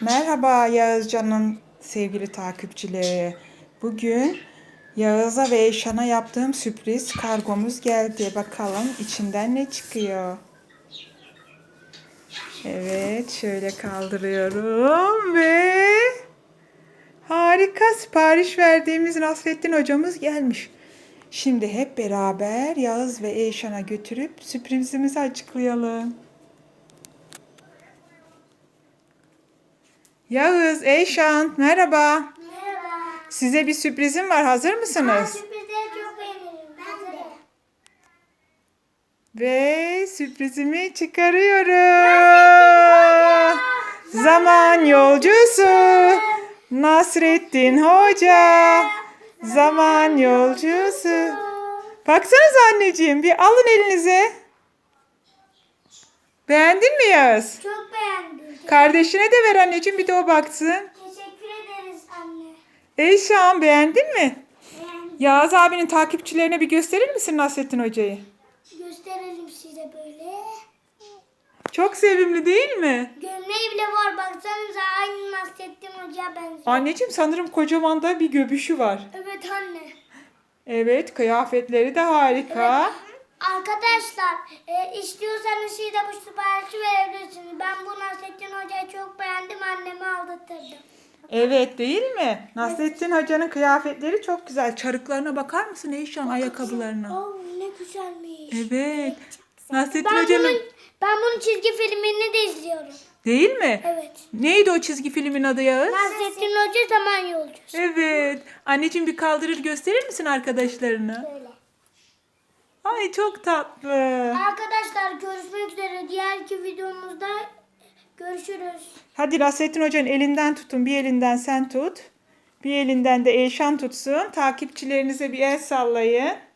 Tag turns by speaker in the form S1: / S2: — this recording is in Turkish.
S1: Merhaba Yağızcan'ın sevgili takipçileri. Bugün Yağız'a ve Eyşan'a yaptığım sürpriz kargomuz geldi. Bakalım içinden ne çıkıyor. Evet, şöyle kaldırıyorum ve harika, sipariş verdiğimiz Nasrettin hocamız gelmiş. Şimdi hep beraber Yağız ve Eyşan'a götürüp sürprizimizi açıklayalım. Yağız, Eyşan, merhaba.
S2: Merhaba.
S1: Size bir sürprizim var. Hazır mısınız?
S2: Sürprizleri çok beğenirim. Ben de.
S1: Ve sürprizimi çıkarıyorum. Zaman yolcusu Nasrettin Hoca. Zaman yolcusu. Baksanıza anneciğim, bir alın elinize. Beğendin mi Yağız?
S2: Çok beğendim.
S1: Kardeşine de ver anneciğim, bir de o baksın.
S2: Teşekkür ederiz anne.
S1: Eyşan, beğendin mi?
S2: Beğendim.
S1: Yağız abinin takipçilerine bir gösterir misin Nasrettin Hoca'yı?
S2: Gösterelim size böyle.
S1: Çok sevimli değil mi?
S2: Gömleği bile var. Baksanıza aynı Nasrettin Hoca'ya benziyor.
S1: Anneciğim sanırım kocaman da bir göbüşü var.
S2: Evet anne.
S1: Evet, kıyafetleri de harika.
S2: Arkadaşlar istiyorsanız siz de bu siparişi verebilirsiniz. Ben bu Nasrettin Hoca'yı çok beğendim. Annemi aldatırdım.
S1: Evet, değil mi? Nasrettin Hoca'nın kıyafetleri çok güzel. Çarıklarına bakar mısın Eyşan, ayakkabılarına?
S2: Oh ne güzelmiş.
S1: Evet. Nasrettin
S2: Ben
S1: Hoca'nın...
S2: bunun çizgi filmini de izliyorum.
S1: Değil mi?
S2: Evet.
S1: Neydi o çizgi filmin adı Yağız?
S2: Nasrettin Hoca zaman yolcusu.
S1: Evet. Anneciğim bir kaldırır gösterir misin arkadaşlarına?
S2: Böyle.
S1: Ay çok tatlı.
S2: Arkadaşlar görüşmek üzere. Diğerki videomuzda görüşürüz.
S1: Hadi Nasrettin Hoca'nın elinden tutun. Bir elinden sen tut. Bir elinden de Eyşan tutsun. Takipçilerinize bir el sallayın.